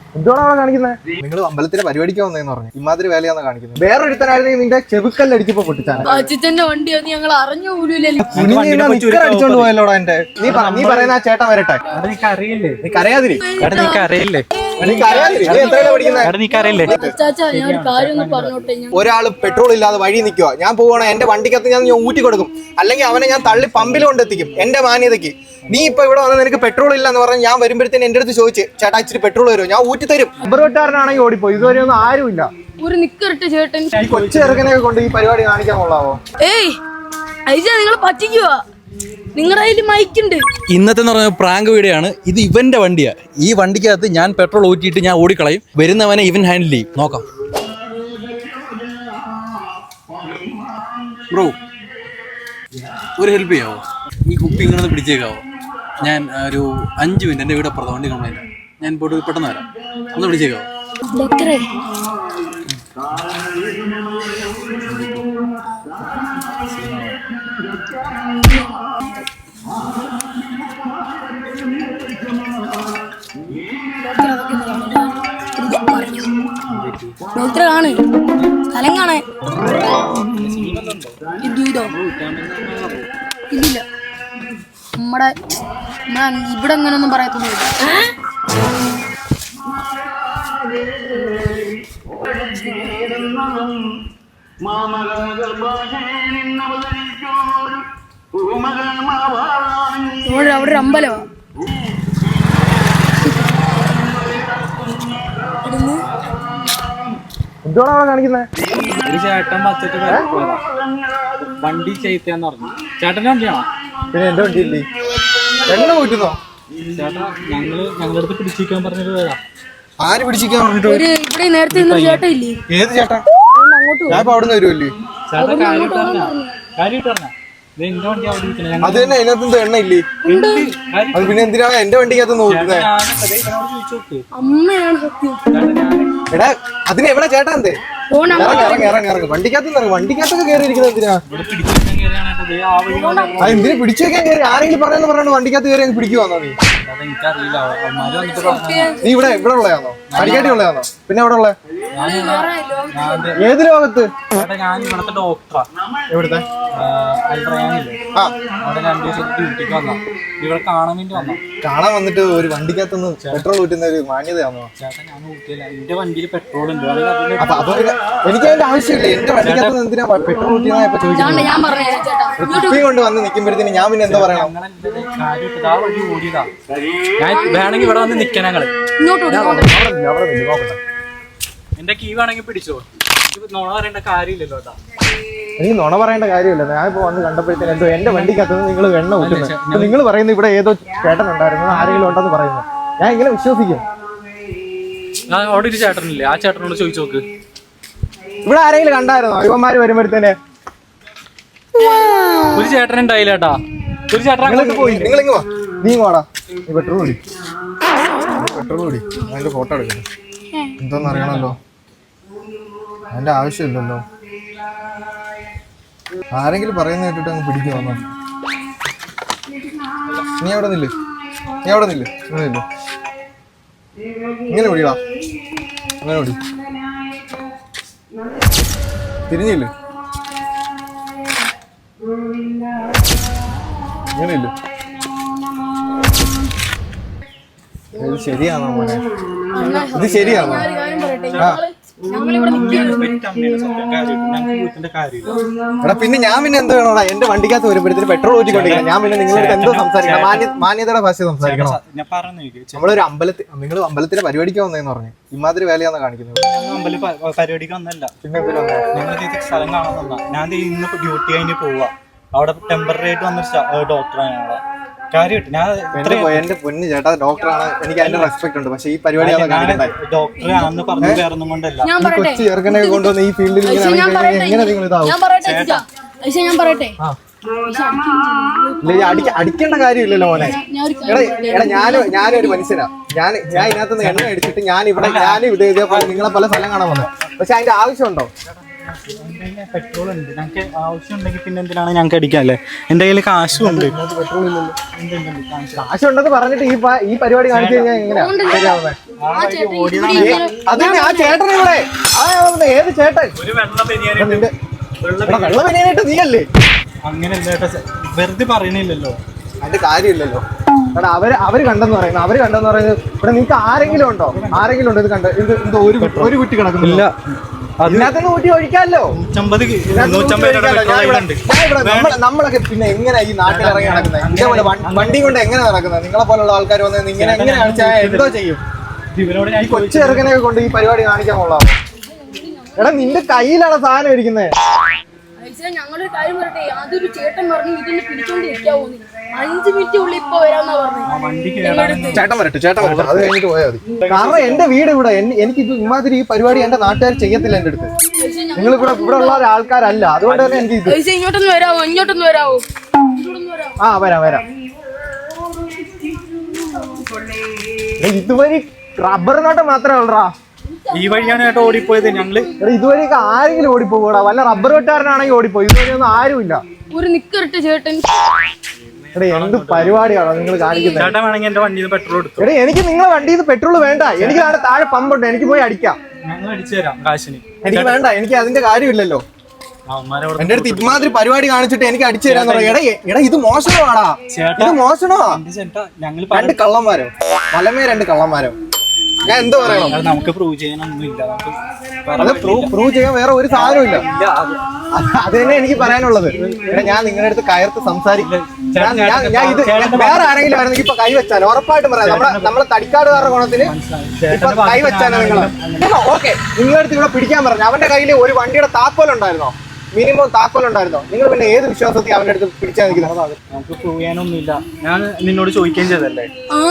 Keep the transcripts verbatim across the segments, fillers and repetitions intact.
എന്തുകൊണ്ടാണ് കാണിക്കുന്നത്? നിങ്ങൾ അമ്പലത്തിലെ പരിപാടിക്ക് വന്നതെന്ന് പറഞ്ഞു ഇമാതിരി വേലയാന്ന് കാണിക്കുന്നത്. വേറൊരുത്തനായിരുന്നെങ്കിൽ നിന്റെ ചെവുക്കല്ലടിച്ചപ്പോ പൊട്ടിച്ചാണ്. അച്ഛന്റെ വണ്ടി നീ ഞങ്ങൾ അറിഞ്ഞു പോലൂല്ലോ. അടിച്ചോണ്ട് പോയല്ലോടാ എന്റെ. നീ നീ പറയുന്ന ആ ചേട്ടൻ വരട്ടെ. അറിയില്ലേ നീ കരയാതിരി. അറിയില്ലേ ഒരാള് പെട്രോൾ ഇല്ലാതെ വഴി നിൽക്കുക, ഞാൻ പോവാണ് എന്റെ വണ്ടിക്കകത്ത് ഞാൻ ഊറ്റി കൊടുക്കും, അല്ലെങ്കിൽ അവനെ ഞാൻ തള്ളി പമ്പിൽ കൊണ്ടെത്തിക്കും എന്റെ മാന്യതയ്ക്ക്. നീ ഇപ്പൊ ഇവിടെ വന്ന് നിനക്ക് പെട്രോൾ ഇല്ല എന്ന് പറഞ്ഞാൽ ഞാൻ വരുമ്പോഴത്തേന് എന്റെ അടുത്ത് ചോദിച്ചു ചേട്ടാ ഇച്ചിരി പെട്രോൾ വരുമോ, ഞാൻ ഊറ്റി തരും. അമ്പറുവെട്ടാരനാണെങ്കിൽ ഓടിപ്പോയി, ഇതുവരെ ഒന്നും ആരുമില്ല. ഒരു നിക്കറിട്ട് ചേട്ടൻ ഈ കൊച്ചു ചെറുക്കനെ കൊണ്ട് ഈ പരിപാടി കാണിക്കാൻ കൊള്ളാവോ? ഏയ് ഐജ നിങ്ങൾ പറ്റിക്കുവാ, നിങ്ങളുടെ കയ്യിൽ മൈക്കുണ്ട്. ഇന്നത്തെ എന്ന് പറഞ്ഞ പ്രാങ്ക് വീഡിയോ ആണ്. ഇത് ഇവന്റെ വണ്ടിയാ. ഈ വണ്ടിക്കകത്ത് ഞാൻ പെട്രോൾ ഊറ്റിയിട്ട് ഞാൻ ഓടിക്കളയും, വരുന്നവനെ ഇവൻ ഹാൻഡിൽ ചെയ്യും. നോക്കാം ബ്രോ, ഒരു ഹെൽപ്പ് ചെയ്യാവോ? ഈ കുപ്പി ഇങ്ങനെ ഒന്ന് പിടിച്ചേക്കാവോ? ഞാൻ ഒരു അഞ്ച് മിനിറ്റ് എൻ്റെ വീട് അപ്പുറത്ത് വണ്ടി കംപ്ലൈൻറ്റ്, ഞാൻ പോയിട്ട് പെട്ടെന്ന് വരാം, ഒന്ന് പിടിച്ചേക്കാവോ? ആണ് സ്ഥലം കാണാൻ ഇതോ ഇല്ല. നമ്മടെ ഇവിടെ അങ്ങനൊന്നും പറയത്തൊന്നുമില്ല. അവിടെ ഒരു അമ്പലമാ. എന്തുകൊണ്ടാണ് കാണിക്കുന്നത്? ഒരു ചേട്ടൻ പത്തിട്ട് വണ്ടി ചെയ്തെന്ന് പറഞ്ഞു. ചേട്ടന്റെ വണ്ടിയാണോ? പിന്നെ എന്റെ വണ്ടി ഇല്ലേ? എണ്ണ ഊറ്റുന്നോ? ചേട്ടാ ഞങ്ങള് ഞങ്ങളുടെ അടുത്ത് പിടിച്ചിരിക്കാൻ പറഞ്ഞിട്ട് പോയതാ. ആര് പിടിച്ചിരിക്കാൻ പറഞ്ഞിട്ട്? ഇവിടെ നേരത്തെ ചേട്ടൻ ഇല്ലേ? ഏത് ചേട്ടാ? ഞാൻ ഇപ്പൊ അവിടുന്ന് വരുമല്ലേ? ചേട്ടാ കാര്യമായിട്ട് പറഞ്ഞ കാര്യമായിട്ട് പറഞ്ഞ എന്റെ വണ്ടി അവിടെ ഇരിക്കണേ. അത് തന്നെ, അതിനകത്ത് എണ്ണ ഇല്ലേ? അത് പിന്നെ എന്തിനാണ് എന്റെ വണ്ടിക്കകത്ത് നോക്കുന്നത്? അമ്മയാണ് സത്യം. എടാ അതിന് എവിടെ ചേട്ടാ എന്തേ? ഇറങ്ങി ഇറങ്ങി ഇറങ്ങി വണ്ടിക്കകത്ത് ഇറങ്ങി. വണ്ടിക്കകത്തൊക്കെ കയറി ഇരിക്കുന്നത് എന്തിനാ? അത് എന്തിനു പിടിച്ചു വെക്കാൻ കയറി? ആരെങ്കിലും പറയുന്ന പറയണ വണ്ടിക്കകത്ത് കയറി അങ്ങ് പിടിക്കുവാന്നോ നീ? നീ ഇവിടെ ഇവിടെ ഉള്ളതാണോ? അടിക്കാട്ടി ഉള്ളതാണോ? പിന്നെ എവിടെ ഉള്ള? ഏത് ലോകത്ത്? ഞാൻ ഇവിടുത്തെ ഡോക്ടറാ. എവിടുത്തെ? ഇവിടെ കാണാൻ വേണ്ടി വന്നോ? കാണാൻ വന്നിട്ട് ഒരു വണ്ടിക്കകത്തൊന്ന് പെട്രോൾ ഊറ്റുന്ന ഒരു മാന്യതയാണോ? ചേട്ടാ ഞാൻ ഊറ്റിയില്ല, എന്റെ വണ്ടിയിൽ പെട്രോൾ ഉണ്ട്. അപ്പൊ അപ്പൊ എനിക്ക് അതിന്റെ ആവശ്യമില്ല. എന്റെ വണ്ടിക്കകത്ത് എന്തിനാ പെട്രോൾ ഊറ്റിയെന്നാ ഇപ്പൊ ചോദിക്കുന്നത്? കുപ്പിയും കൊണ്ട് വന്ന് നിൽക്കുമ്പോഴത്തേന് ഞാൻ പിന്നെ എന്താ പറയണം? ഓടിയതാ. ഞാൻ വേണമെങ്കിൽ ഇവിടെ വന്ന് നിൽക്കാൻ ഞങ്ങള് എന്റെ കീ വേണമെങ്കിൽ പിടിച്ചോ. നുണ പറയേണ്ട കാര്യമില്ലല്ലോ കേട്ടാ. എനിക്ക് നുണ പറയേണ്ട കാര്യമില്ല. ഞാൻ ഇപ്പൊ വന്ന് കണ്ടപ്പോഴത്തേന് എന്തോ എന്റെ വണ്ടിക്കകത്ത് നിങ്ങൾ എണ്ണ ഊറ്റുന്നത്. നിങ്ങൾ പറയുന്നത് ഇവിടെ ഏതോ ചേട്ടൻ ഉണ്ടായിരുന്നു, ആരെങ്കിലും ഉണ്ടെന്ന് പറയുന്നത്. ഞാൻ ഇങ്ങനെ വിശ്വസിക്കും? അവിടെ ഒരു ചേട്ടനില്ലേ, ആ ചേട്ടനോട് ചോദിച്ചു നോക്ക്. ഇവിടെ ആരെങ്കിലും കണ്ടായിരുന്നോ ഇവന്മാര് വരുമ്പോഴത്തേന്? ഒരു ചേട്ടൻ ഉണ്ടായില്ല കേട്ടാ. ഒരു ചേട്ടൻ പോയി. നിങ്ങൾ ഇങ്ങ് വാ, നീ വാടാ. നീ പെട്രോൾ കൂടി പെട്രോൾ കൂടി അതിന്റെ ഫോട്ടോ എടുക്കുന്നു. എന്തോന്ന് അറിയണല്ലോ, അതിന്റെ ആവശ്യമില്ലല്ലോ. ആരെങ്കിലും പറയുന്ന കേട്ടിട്ട് അങ്ങ് പിടിക്കും വന്നോ. നീ അവിടെ നില്ല്, നീ അവിടെ നില്ല്, ഇങ്ങനെ നില്ല്. ഇങ്ങനെ പിടിടാ, അങ്ങനെ പിടി. തിരിഞ്ഞില്ലേ? ഇങ്ങനെ ഇല്ല. ഇത് ശരിയാണോ മോനെ? ഇത് ശരിയാണോ? എടാ പിന്നെ ഞാൻ പിന്നെ എന്തോ വേണോടാ? എന്റെ വണ്ടിക്കകത്ത് വരുമ്പോഴത്തേന് പെട്രോൾ ഊറ്റിക്കൊണ്ടിരിക്കണം. ഞാൻ പിന്നെ നിങ്ങളുടെ എന്തോ സംസാരിക്കണം? മാന്യതയുടെ ഭാഷ സംസാരിക്കണം. നമ്മളൊരു അമ്പലത്തിൽ, നിങ്ങൾ അമ്പലത്തിലെ പരിപാടിക്ക് വന്നതെന്ന് പറഞ്ഞു ഇമാതിരി വേലയാന്ന് കാണിക്കുന്നത്. പരിപാടിക്ക് വന്നല്ല, പിന്നെ നിങ്ങൾ സ്ഥലം കാണാൻ വന്നാ. ഞാൻ ഇന്ന് ഡ്യൂട്ടി കഴിഞ്ഞ് പോവാ. അവിടെ ടെമ്പററി ആയിട്ട് വന്നൊരു ഡോക്ടറാണ് ഞങ്ങളെ. കാര്യമായിട്ട് ഞാൻ എന്റെ പൊന്ന് ചേട്ടാ ഡോക്ടറാണ്, എനിക്ക് അതിന്റെ റെസ്പെക്ട് ഉണ്ട്. പക്ഷെ ഈ പരിപാടി ഡോക്ടറാണെന്ന് പറഞ്ഞു വേറൊന്നും കൊണ്ടല്ല. കൊച്ചു ചെറുക്കനെ കൊണ്ടുവന്ന് ഈ ഫീൽഡിൽ എങ്ങനെ നിങ്ങൾ ഇതാവും? അടിക്കേണ്ട കാര്യമില്ലല്ലോ മോനെ. എടാ എടാ ഞാനും ഞാനൊരു മനുഷ്യനാ. ഞാൻ ഞാൻ ഇതിനകത്തുനിന്ന് എണ്ണ അടിച്ചിട്ട് ഞാൻ ഇവിടെ ഞാൻ ഇത് ഇതേപോലെ നിങ്ങളെ പല സ്ഥലം കാണാൻ വന്നത്. പക്ഷെ അതിന്റെ ആവശ്യമുണ്ടോ? പെട്രോൾ ഉണ്ട്, ഞങ്ങൾക്ക് ആവശ്യം ഉണ്ടെങ്കിൽ പിന്നെ എന്തിനാണ് ഞങ്ങൾക്ക് അടിക്കാല്ലേ? എന്റെ കയ്യിൽ കാശും ഉണ്ട്. പെട്രോൾ ഇല്ലല്ലോ. കാശുണ്ടെന്ന് പറഞ്ഞിട്ട് ഈ പ- ഈ പരിപാടി കാണിച്ചു കഴിഞ്ഞാൽ എങ്ങനെയാ ശരിയാവുന്നത്? ആ ചേട്ടൻ ഇവിടെ ഇങ്ങനെ അത് ആ ചേട്ടൻ ഇവിടെ ആ ഏത് ചേട്ടൻ ഒരു വെള്ളം നിന്റെ എടാ, വെള്ളം വരാനായിട്ട് നീയല്ലേ? അങ്ങനെ വെറുതെ പറയണില്ലല്ലോ. അതിന്റെ കാര്യമില്ലല്ലോ. എടാ അവര് അവര് കണ്ടെന്ന് പറയുന്നത് അവര് കണ്ടെന്ന് പറയുന്നത് ഇവിടെ നിങ്ങൾക്ക് ആരെങ്കിലും ഉണ്ടോ? ആരെങ്കിലും ഉണ്ടോ ഇത് കണ്ട് ഇത് എന്തോ ഒരു ഒരു കുറ്റി കിടക്കുന്നില്ല. അതിനകത്ത് ഊറ്റി ഒഴിക്കാമല്ലോ. നൂറ്റമ്പത് ഇതിനകത്ത് ഊറ്റി നൂറ്റമ്പത് ഒഴിക്കാമല്ലോ. ഞാൻ ഇവിടെ- പെട്രോൾ ഞാൻ ഇവിടെ നമ്മള് നമ്മളൊക്കെ പിന്നെ എങ്ങനെ ഈ നാട്ടിൽ ഇറങ്ങി നടക്കുന്നത്? ഇതേപോലെ വൺ- വണ്ടി കൊണ്ട് എങ്ങനെ നടക്കുന്നത്? നിങ്ങളെ പോലുള്ള ആൾക്കാർ വന്ന് ഇങ്ങനെ എങ്ങനെ കാണിച്ചാൽ എന്തോ ചെയ്യും? ഇവരോട് ഈ കൊച്ചു ചെറുക്കനെയൊക്കെ കൊണ്ട് ഈ പരിപാടി കാണിക്കാൻ കൊള്ളാമോ? എടാ നിന്റെ കയ്യിലാണ് സാധനം ഇരിക്കുന്നത്. ഐസ ഞങ്ങളൊരു കാര്യം പറയട്ടെ, അതൊരു ചേട്ടൻ പറഞ്ഞു ഇതൊന്ന് പിടിച്ചോണ്ട് ഇരിക്കാവോ നീ? അഞ്ചു മിനിറ്റ് ഉള്ളിൽ ഇപ്പൊ വരാന്നാ പറഞ്ഞു. ചേട്ടൻ വരട്ടെ ചേട്ടൻ വരട്ടെ അത് കഴിഞ്ഞിട്ട് പോയാൽ മതി. കാരണം എന്റെ വീട് ഇവിടെ എൻ- എനിക്ക് ഇത് ഇമാതിരി ഈ പരിപാടി എന്റെ നാട്ടുകാർ ചെയ്യത്തില്ല എന്റെ അടുത്ത്. നിങ്ങൾ ഇവിടെ ഇവിടെ ഉള്ള ആൾക്കാരല്ല, അതുകൊണ്ട് തന്നെ എനിക്ക് ഇത് ഐസ ഇങ്ങോട്ടൊന്ന് വരാവോ? ഇങ്ങോട്ടൊന്ന് വരാവോ? ഇങ്ങോട്ടൊന്ന് വരാവോ? ആ വരാം വരാം. എടാ, ഇതുവഴി റബ്ബർ നോട്ടം മാത്രമേ ഉള്ളടാ. ഈ വഴിയാണ് ചേട്ടാ ഓടിപ്പോയത്. ഞങ്ങള് എടാ ഇതുവഴിയൊക്കെ ആരെങ്കിലും ഓടിപ്പോകൂടാ. വല്ല റബ്ബർ വെട്ടുകാരനാണെങ്കിൽ ഓടിപ്പോയി. ഇതുവഴിയൊന്നും ആരുമില്ല. ഒരു നിക്കറിട്ട് ചേട്ടൻ. എടാ എന്ത് പരിപാടിയാണോ നിങ്ങൾ കാണിക്കുന്നത്? ചേട്ടൻ വേണമെങ്കിൽ എന്റെ വണ്ടിയിൽ പെട്രോൾ എടുത്തു. എടാ എനിക്ക് നിങ്ങളെ വണ്ടിയിൽ പെട്രോൾ വേണ്ട. എനിക്ക് അവിടെ താഴെ പമ്പുണ്ട്, എനിക്ക് പോയി അടിക്കാം. ഞങ്ങൾ അടിച്ചു തരാം കാശിന്. എനിക്ക് വേണ്ട, എനിക്ക് അതിന്റെ കാര്യമില്ലല്ലോ. അവന്മാരവിടെ എന്റെ അടുത്ത് ഇമാതിരി പരിപാടി കാണിച്ചിട്ട് എനിക്ക് അടിച്ചു തരാന്ന് പറയാം. എടാ എടാ ഇത് മോശമാടാ, ഇത് മോശമാ. ചേട്ടാ ഞങ്ങൾ രണ്ട് കള്ളന്മാരോ വലമേ രണ്ട് കള്ളന്മാരോ? ഞാൻ എന്തോ പറയണം? നമുക്ക് പ്രൂവ് ചെയ്യാനൊന്നുമില്ല. അത് പ്രൂവ് ചെയ്യാൻ വേറെ ഒരു സാധനവും ഇല്ല. അത് തന്നെ എനിക്ക് പറയാനുള്ളത്. എടാ ഞാൻ നിങ്ങളുടെ അടുത്ത് കയർത്ത് സംസാരിക്കും. ഞാൻ ഞാൻ ഇത് വേറെ ആരെങ്കിലും ആയിരുന്നെങ്കിൽ ഇപ്പൊ കൈവച്ചാൽ ഉറപ്പായിട്ടും പറയാം. നമ്മളെ നമ്മളെ തടിക്കാടുകാരുടെ ഗുണത്തിന് ഇപ്പൊ കൈവച്ചാലോ നിങ്ങൾ? ഓക്കെ, നിങ്ങളുടെ അടുത്ത് ഇവിടെ പിടിക്കാൻ പറഞ്ഞു. അവന്റെ കയ്യിൽ ഒരു വണ്ടിയുടെ താക്കോലുണ്ടായിരുന്നോ? മിനിമം താക്കോലുണ്ടായിരുന്നോ? നിങ്ങൾ പിന്നെ ഏത് വിശ്വാസത്തിൽ അവന്റെ അടുത്ത് പിടിച്ചാൽ നിൽക്കുന്നത്? നമുക്ക് പ്രൂവ് ചെയ്യാനൊന്നുമില്ല. ഞാൻ നിന്നോട് ചോദിക്കുകയും ചെയ്തല്ലേ. ആ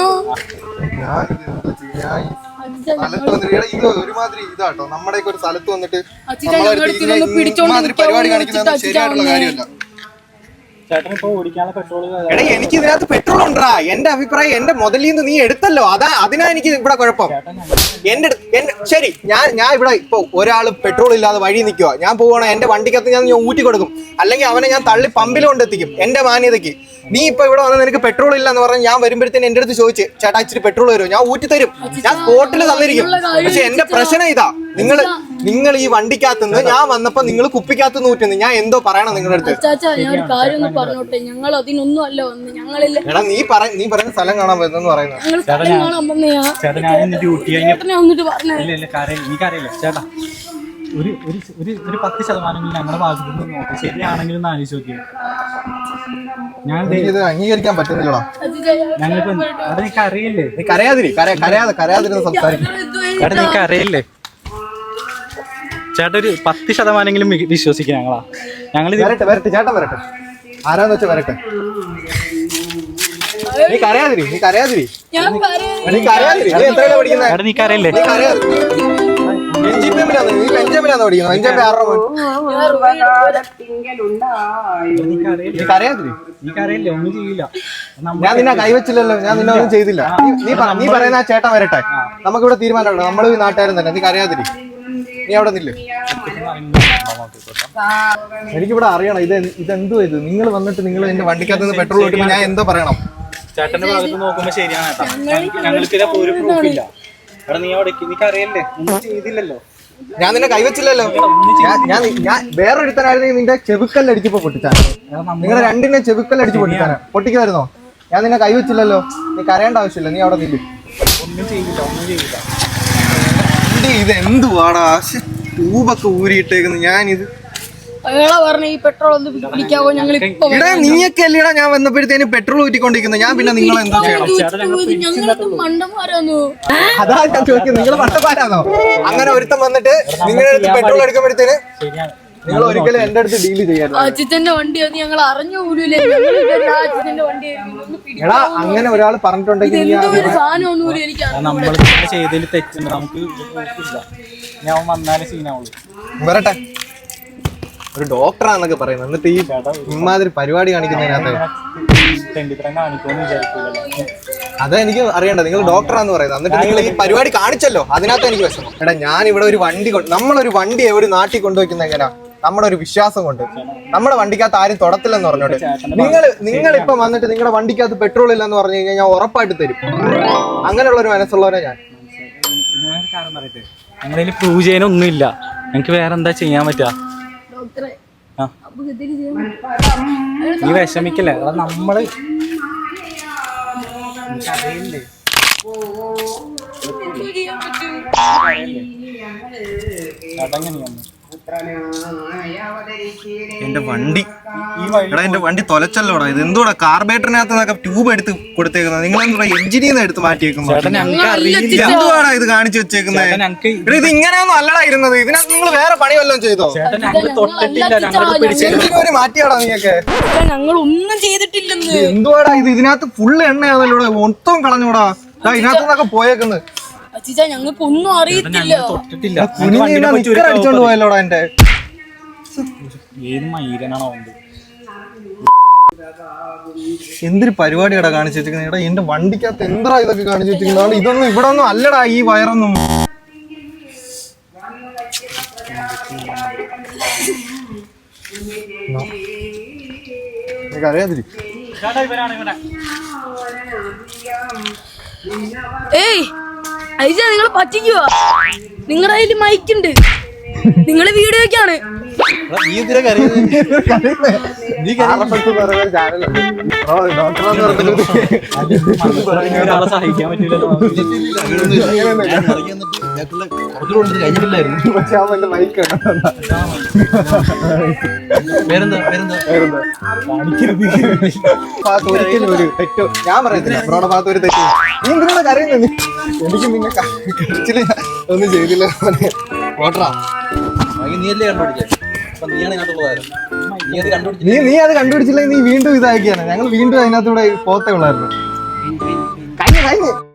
സ്ഥലത്ത് വന്നിട്ട് എടാ ഇത് ഒരുമാതിരി ഇതാട്ടോ. നമ്മുടെയൊക്കെ ഒരു സ്ഥലത്ത് വന്നിട്ട് അച്ഛാ ഞങ്ങളടുത്ത് ഇതൊന്ന് പിടിച്ചോണ്ട് പരിപാടി കാണിക്കുന്നത് ശരിയായിട്ടുള്ള കാര്യമല്ല. ചേട്ടൻ ഇപ്പൊ ഓടിക്കാനുള്ള പെട്രോൾ എടാ എനിക്ക് ഇതിനകത്ത് പെട്രോൾ ഉണ്ടാ. എന്റെ അഭിപ്രായം എന്റെ മുതലിൽ നിന്ന് നീ എടുത്തല്ലോ, അതാ അതിനാ എനിക്ക് ഇവിടെ കുഴപ്പം. എന്റെ എന്റെ ശരി ഞാൻ ഞാൻ ഇവിടെ ഇപ്പൊ ഒരാള് പെട്രോൾ ഇല്ലാതെ വഴി നിൽക്കുക. ഞാൻ പോവാണ് എന്റെ വണ്ടിക്കകത്ത് ഞാൻ ഞാൻ ഊറ്റി കൊടുക്കും, അല്ലെങ്കിൽ അവനെ ഞാൻ തള്ളി പമ്പിൽ കൊണ്ടെത്തിക്കും എന്റെ മാന്യതയ്ക്ക്. നീ ഇപ്പൊ ഇവിടെ വന്ന് നിനക്ക് പെട്രോൾ ഇല്ല എന്ന് പറഞ്ഞാൽ ഞാൻ വരുമ്പോഴത്തേന് എന്റെ അടുത്ത് ചോദിച്ച് ചേട്ടാ ഇച്ചിരി പെട്രോൾ വരുമോ? ഞാൻ ഊറ്റി തരും, ഞാൻ സ്പോട്ടിൽ തന്നിരിക്കും. പക്ഷെ എന്റെ പ്രശ്നം ഇതാ, നിങ്ങൾ നിങ്ങൾ ഈ വണ്ടിക്കകത്ത് നിന്ന് ഞാൻ വന്നപ്പോ നിങ്ങൾ കുപ്പിക്കകത്ത് നിന്ന് ഊറ്റുന്നു. ഞാൻ എന്തോ പറയണം നിങ്ങളുടെ അടുത്ത്? അച്ചാച്ചാ ഞാൻ ഒരു കാര്യം ഒന്ന് പറഞ്ഞോട്ടെ, ഞങ്ങൾ അതിനൊന്നും അല്ല വന്ന്. ഞങ്ങളില്ല എടാ നീ പറ നീ പറയുന്ന സ്ഥലം കാണാൻ പറ്റുന്നെന്ന് പറയുന്നത്. ഞങ്ങൾ സ്ഥലം കാണാൻ വന്നയാ. ചേട്ടാ ഞാൻ ഇന്ന് ഡ്യൂട്ടി കഴിഞ്ഞ ചേട്ടനെ വന്നിട്ട് പറഞ്ഞേ. ഇല്ല ഇല്ല കാര്യം എനിക്കറിയില്ല ചേട്ടാ. ഒരു ഒരു ഒരു ഒരു പത്ത് ശതമാനം ഞങ്ങളുടെ ഭാഗത്ത് നിന്ന് നോക്കാം. ശരിയാണെങ്കിലും ഒന്ന് ആലോചിച്ച് നോക്കിയത്. ഞാൻ എനിക്കിത് അംഗീകരിക്കാൻ പറ്റുന്നില്ലടാ. അച്ചാച്ചാ, ഞാൻ ഞങ്ങൾക്ക് അവിടെ നിനക്ക് അറിയില്ലേ? നീ കരയാതിരി കര- കരയാതെ കരയാതിരുന്ന് സംസാരിക്കും. ചേട്ടാ നിനക്ക് അറിയില്ലേ? ചേട്ടാ ഒരു പത്ത് ശതമാനെങ്കിലും വിശ്വസിക്കുക ഞങ്ങളാ. ഞങ്ങൾ വരട്ടെ വരട്ടെ ചേട്ടൻ വരട്ടെ, ആരാന്ന് വെച്ചാ വരട്ടെ. നീ കരയാതിരി നീ കരയാതിരി ഞാൻ പറയാം. നീ കരയാതിരി. നീ എത്രയാണ് പഠിക്കുന്നത്? ചേട്ടാ നിനക്ക് അറിയില്ലേ? നീ കരയാതിരി. ബെഞ്ചമിനാണ് നീ ബെഞ്ചമിനാന്ന് പഠിക്കുന്നത്. ബെഞ്ചമിൻ ആരുടെ മോൻ? നീ കരയാതിരി. നിനക്ക് അറിയില്ലേ? ഒന്നും ചെയ്യില്ല. ഞാൻ നിന്നെ കൈവച്ചില്ലല്ലോ, ഞാൻ നിന്നെ ഒന്നും ചെയ്തില്ല. നീ- നീ പറ നീ പറയുന്ന ആ ചേട്ടൻ വരട്ടെ, നമുക്കിവിടെ തീരുമാനമുണ്ട്. നമ്മളും ഈ നാട്ടുകാരും തന്നെ. നീ കരയാതിരി, നീ അവിടെ നില്ല്. എനിക്കിവിടെ അറിയണം ഇത് ഇതെന്തോ ഇത്. നിങ്ങൾ വന്നിട്ട് നിങ്ങൾ എന്റെ വണ്ടിക്കകത്ത് നിന്ന് പെട്രോൾ കിട്ടുമ്പോൾ ഞാൻ എന്തോ പറയണം? ചേട്ടന്റെ ഭാഗത്ത് നോക്കുമ്പോ ശരിയാണ് ചേട്ടാ. ഞങ്ങൾക്ക് ഇതാ ഒരു പ്രൂഫില്ല. എടാ നീ അവിടെ നിനക്ക് അറിയില്ലേ? ഒന്നും ചെയ്തില്ലല്ലോ. ഞാൻ നിന്നെ കൈവച്ചില്ലല്ലോ. ഞാൻ ഞാൻ ഞാൻ വേറൊരുത്തനായിരുന്നെങ്കിൽ നിന്റെ ചെവുക്കല്ലടിച്ചപ്പോ പൊട്ടിച്ചാണ്. നിങ്ങളെ രണ്ടിനെ ചെവുക്കല്ലടിച്ച് പൊട്ടിച്ചാണ്. പൊട്ടിക്കുമായിരുന്നോ? ഞാൻ നിന്നെ കൈവച്ചില്ലല്ലോ. നീ കരയേണ്ട ആവശ്യമില്ല, നീ അവിടെ നില്ല്. ഒന്നും ചെയ്യില്ല ഒന്നും ചെയ്യില്ല. ഇത് എന്തുവാടാ ട്യൂബൊക്കെ ഊരിയിട്ടേക്കുന്നു. ഞാനിത് അയാളെ പറഞ്ഞ ഈ പെട്രോൾ ഒന്ന് പിടിക്കാവോ? ഞങ്ങൾ ഇപ്പൊ ഇടാ നീയൊക്കെ അല്ലേടാ ഞാൻ വന്നപ്പോഴത്തേന് പെട്രോൾ ഊറ്റിക്കൊണ്ടിരിക്കുന്നത്. ഞാൻ പിന്നെ നിങ്ങൾ എന്താ ചെയ്യണം? ഞങ്ങളത് മണ്ടന്മാരാന്നോ? അതാ ഞാൻ ചോദിക്കുന്നത്, നിങ്ങൾ പട്ടപ്പാരാണോ? അങ്ങനെ ഒരുത്തം വന്നിട്ട് നിങ്ങളുടെ അടുത്ത് പെട്രോൾ എടുക്കുമ്പോഴത്തേന് ശരിയാണ്. നിങ്ങൾ ഒരിക്കലും എന്റെ അടുത്ത് ഡീല് ചെയ്യാറുണ്ട്. അച്ഛന്റെ വണ്ടിയാന്ന് ഞങ്ങൾ അറിഞ്ഞു പോലൂലേ. അച്ഛന്റെ വണ്ടി എടാ അങ്ങനെ ഒരാൾ പറഞ്ഞിട്ടുണ്ടെങ്കിൽ നീ എന്തോ ഒരു സാധനം ഒന്നുമില്ല എനിക്ക് അറിഞ്ഞൂടാ. നമ്മൾ ചെയ്തതിൽ തെറ്റുണ്ട്. നമുക്ക് പ്രൂഫില്ല. ഞാൻ വന്നാലേ സീനാവുള്ളൂ. വരട്ടെ, ഒരു ഡോക്ടറാന്നൊക്കെ പറയുന്നത്, എന്നിട്ട് ഈ ഇമാതിരി പരിപാടി കാണിക്കുന്നതിനകത്ത് തെണ്ടിത്തരം കാണിക്കുമെന്ന് വിചാരിക്കില്ലല്ലോ. അത് എനിക്ക് അറിയണ്ട, നിങ്ങൾ ഡോക്ടറാന്ന് പറയുന്നത്. എന്നിട്ട് നിങ്ങൾ ഈ പരിപാടി കാണിച്ചല്ലോ, അതിനകത്ത് എനിക്ക് വിഷമം. എടാ ഞാൻ ഇവിടെ ഒരു വണ്ടി കൊണ്ട് നമ്മളൊരു വണ്ടി ഒരു നാട്ടിൽ കൊണ്ടുവയ്ക്കുന്ന എങ്ങനെയാ? നമ്മുടെ ഒരു വിശ്വാസം കൊണ്ട്. നമ്മുടെ വണ്ടിക്കകത്ത് ആരും തൊടത്തില്ലെന്ന് പറഞ്ഞോട്ടെ. നിങ്ങൾ നിങ്ങൾ ഇപ്പൊ വന്നിട്ട് നിങ്ങളുടെ വണ്ടിക്കകത്ത് പെട്രോൾ ഇല്ലെന്ന് പറഞ്ഞു കഴിഞ്ഞാൽ ഞാൻ ഉറപ്പായിട്ട് തരും. അങ്ങനെയുള്ള ഒരു മനസ്സുള്ളവരെ ഞാൻ. ഞങ്ങളുടെ പ്രൂവ് ചെയ്യാനൊന്നുമില്ല. ഞങ്ങക്ക് വേറെ എന്താ ചെയ്യാൻ പറ്റുക? ഡോക്ടറെ ആ അപ്പൊ ഇതിന് ചെയ്യാൻ പറ്റും. നീ വിഷമിക്കല്ലേ, അത് നമ്മള് അറിയില്ലേ എന്ത് ചെയ്യാൻ പറ്റും? അതെങ്ങനെയാണ് എന്റെ വണ്ടി എടാ എന്റെ വണ്ടി തൊലച്ചല്ലോടാ. ഇത് എന്തുകൂടാ കാർബേറ്ററിനകത്ത് നിന്നൊക്കെ ട്യൂബ് എടുത്ത് കൊടുത്തേക്കുന്നത്? നിങ്ങൾ എന്താ എഞ്ചിനിൽ നിന്ന് എടുത്ത് മാറ്റിയേക്കുന്നു? എന്തുവാടാ ഇത് കാണിച്ചു വെച്ചേക്കുന്നത്? ഇത് ഇങ്ങനെയൊന്നും അല്ലടാ ഇരുന്നത്. ഇതിനകത്ത് നിങ്ങൾ വേറെ പണി വല്ലതും ചെയ്തോ? ഒരു മാറ്റിയാടാ നീയൊക്കെ. ഞങ്ങൾ ഒന്നും ചെയ്തിട്ടില്ലെന്ന്. എന്തുവാടാ ഇത്? ഇതിനകത്ത് ഫുള്ള് എണ്ണയാണല്ലോ, മൊത്തം കളഞ്ഞൂടാ. ഇതിനകത്ത് നിന്നൊക്കെ പോയേക്കുന്നത്. അച്ഛാ ഞങ്ങൾക്ക് ഒന്നും അറിയത്തില്ല. അടിച്ചോണ്ട് പോയല്ലോടാ എന്റെ. ഏത് മൈരനാണോ? എന്തൊരു പരിപാടിയാടാ കാണിച്ചു വെച്ചിരിക്കുന്നത്? എടാ എന്റെ വണ്ടിക്കകത്ത് എന്താ ഇതൊക്കെ കാണിച്ചു വെച്ചിരിക്കുന്നത്? ഇതൊന്നും ഇവിടെ ഒന്നും അല്ലടാ ഈ വയറൊന്നും. അറിയാതിരി ഏയ് ഐജ നിങ്ങൾ പറ്റിക്കുവാ. നിങ്ങളുടെ കയ്യിൽ മൈക്കുണ്ട്, നിങ്ങള് വീഡിയോക്കാണ്. ഒരാളെ സഹായിക്കാൻ പറ്റില്ലല്ലോ. ഒരിക്കലും ഒരു തെറ്റോ ഞാൻ പറയത്തില്ല. ബ്രോയുടെ ഭാഗത്ത് ഒരു തെറ്റോ. നീ എന്തിനാണ് കരയുന്നത്? എനിക്ക് നിന്നെ കഴിച്ചില്ല, ഒന്നും ചെയ്തില്ല. ഓട്ടറാ നീയല്ലേ കണ്ടുപിടിച്ചേ? അപ്പൊ നീയാണ് ഇതിനകത്തുള്ളതായിരുന്നു. നീ അത് കണ്ടുപിടിച്ചു. നീ നീ അത് കണ്ടുപിടിച്ചില്ലെങ്കിൽ നീ വീണ്ടും ഇതാക്കിയാണ്. ഞങ്ങൾ വീണ്ടും അതിനകത്തൂടെ പോത്തേ ഉള്ളായിരുന്നു. കഴിഞ്ഞു കഴിഞ്ഞു